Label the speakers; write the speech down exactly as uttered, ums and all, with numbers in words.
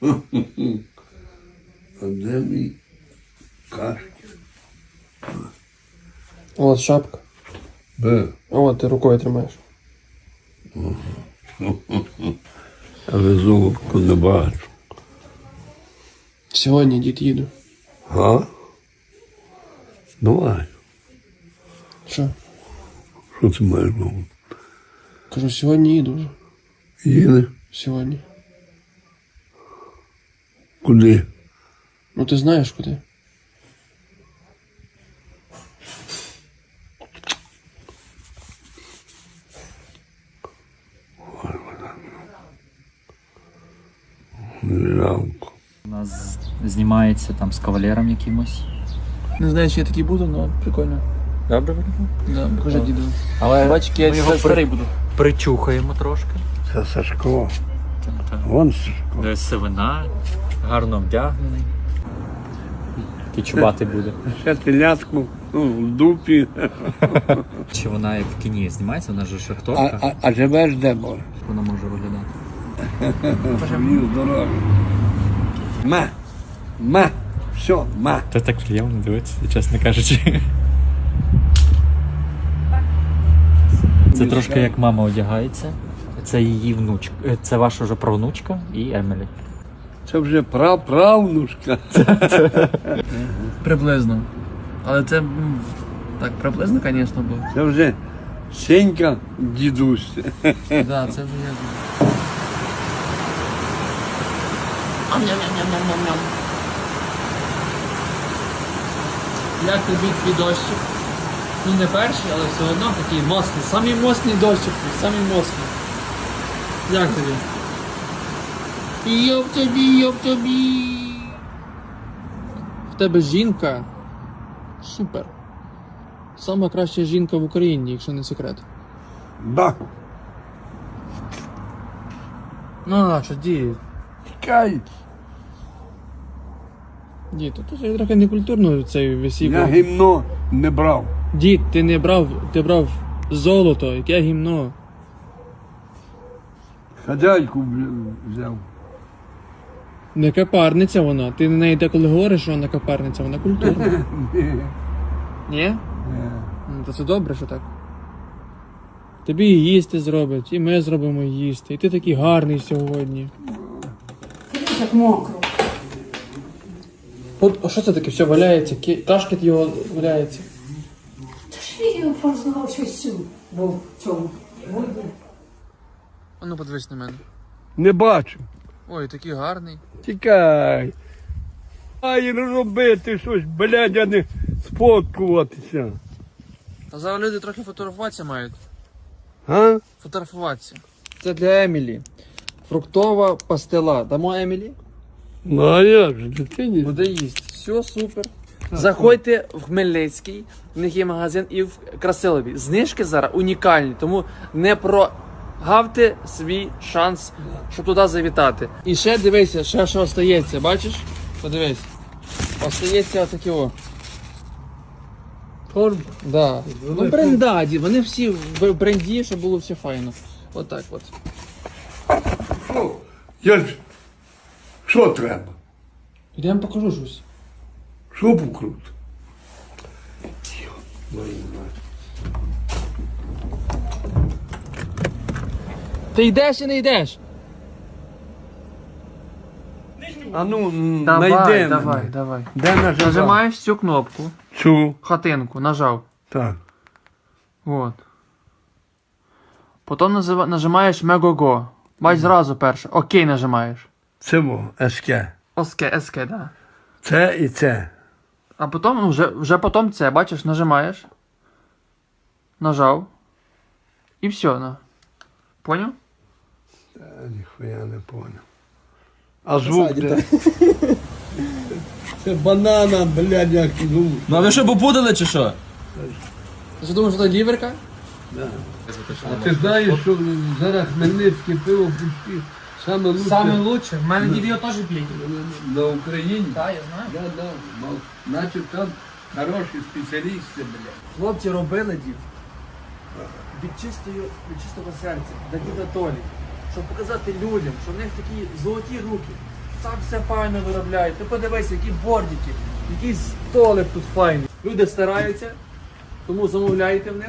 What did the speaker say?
Speaker 1: А де мій кашки?
Speaker 2: От шапка.
Speaker 1: Бе.
Speaker 2: О, ти рукою тримаєш.
Speaker 1: Але золотку не бачу.
Speaker 2: Сьогодні, дід, їду.
Speaker 1: А? Давай.
Speaker 2: Що?
Speaker 1: Що ти маєш на увазі?
Speaker 2: Кажу, сьогодні їду вже.
Speaker 1: Їде?
Speaker 2: Сьогодні.
Speaker 1: Куди?
Speaker 2: Ну ти знаєш куди?
Speaker 1: Жалко.
Speaker 3: У нас знімається там з кавалером якимось.
Speaker 2: Не знаю, чи я такий буду, але прикольно.
Speaker 3: Добре виглядає?
Speaker 2: Да, покажи діду.
Speaker 3: Але
Speaker 2: Бач, який
Speaker 3: ми
Speaker 2: я
Speaker 3: його
Speaker 2: старий
Speaker 3: при...
Speaker 2: буду.
Speaker 3: причухаємо трошки.
Speaker 1: Це Сашко. Вон Сашко.
Speaker 3: Де сивина, гарно вдягнений. Такий чубатий буде.
Speaker 1: Ще телятку, ну, в дупі.
Speaker 3: Чи вона як в кіні знімається, вона ж
Speaker 1: А,
Speaker 3: шахторка,
Speaker 1: а, а живеш де, Боже?
Speaker 3: вона може виглядати.
Speaker 1: Живі здорові. Ма. Ма. Все, ма.
Speaker 3: Та так приємно дивитися, чесно кажучи. Це трошки як мама одягається. Це її внучка. Це ваша вже правнучка і Емілі.
Speaker 1: Це вже праправнушка.
Speaker 2: Приблизно. Але це, м, так, приблизно, звісно, було.
Speaker 1: Це вже Сенька дідусь.
Speaker 2: Так, да, це вже я. Ам-ням-ням-ням-ням-ням. Як тобі твій дощик? Ну не перший, але все одно такий моцний. Самий моцний дощик, самий моцний. Як тобі? Йоп тобі, йоп тобі. В тебе жінка. Супер. Сама краща жінка в Україні, якщо не секрет.
Speaker 1: Да.
Speaker 2: Ну, а що, дід?
Speaker 1: Тікай.
Speaker 2: Дід, то це трохи некультурно цей висів.
Speaker 1: Я гімно не брав.
Speaker 2: Дід, ти не брав, ти брав золото, яке гімно.
Speaker 1: Хазяйку бля, взяв.
Speaker 2: Не капарниця вона. Ти на неї деколи говориш, що вона капарниця, вона культурна. Ні? Ну, то це добре, що так. Тобі і їсти зроблять, і ми зробимо їсти. І ти такий гарний сьогодні.
Speaker 4: Так мокро.
Speaker 2: От, а що це таке? Все валяється, ки- кашкет його валяється.
Speaker 4: Та ж відео познав щось цю. Бо в цьому.
Speaker 2: А ну подивись на мене.
Speaker 1: Не бачу.
Speaker 2: Ой, такий гарний.
Speaker 1: Тікай. Ай, робити щось, блядь, а не сфоткуватися.
Speaker 2: А зараз люди трохи фотографуватися мають.
Speaker 1: А?
Speaker 2: Фотографуватися. Це для Емілі. Фруктова пастила. Дамо Емілі?
Speaker 1: Ну а як же, дитині?
Speaker 2: Буде їсти. Все, супер. Заходьте в Хмельницький, в них є магазин, і в Красилові. Знижки зараз унікальні, тому не прогавте свій шанс, щоб туди завітати. І ще дивися, ще що остається, бачиш? Подивись. Остається отакі о.
Speaker 1: Торб.
Speaker 2: Да. Ну брендаді, вони всі в бренді, щоб було все файно. Отак от.
Speaker 1: Що? Я ж... Що треба?
Speaker 2: Ідемо покажу щось.
Speaker 1: Що покрут?
Speaker 2: Ти йдеш і не йдеш?
Speaker 1: А ну,
Speaker 2: Давай,
Speaker 1: найди
Speaker 2: давай,
Speaker 1: мене.
Speaker 2: давай.
Speaker 1: Де нажимав?
Speaker 2: Нажимаєш цю кнопку,
Speaker 1: Цю.
Speaker 2: хатинку, нажав.
Speaker 1: Так.
Speaker 2: Вот. Потім назива- нажимаєш Мегого. Бач зразу перше. Окей нажимаєш.
Speaker 1: Це во, СК.
Speaker 2: Оске, СК, да.
Speaker 1: Це і це.
Speaker 2: А потім, ну вже, вже потім це, бачиш, нажимаєш. Нажав. І все, на. Поняв?
Speaker 1: Та, ніхуя не понял. А звук де? Це банана, блядь, як ну.
Speaker 5: Ну а ви що попутали чи що?
Speaker 2: Ти що думаєш, що це ліверка?
Speaker 1: А ти знаєш, що зараз хмельницьке пиво пусті саме лучше
Speaker 2: Саме лучше. В мене дід його теж п'є.
Speaker 1: на Україні?
Speaker 2: Так, я знаю.
Speaker 1: Да, да. Мал- Значить там хороші спеціалісти, блядь.
Speaker 2: Хлопці робили дід. Від чистої, від чистого серця, для діда Толі. Щоб показати людям, що в них такі золоті руки. Так все файно виробляють. Ти подивись, які бордики, який столик тут файний. Люди стараються, тому замовляйте в них.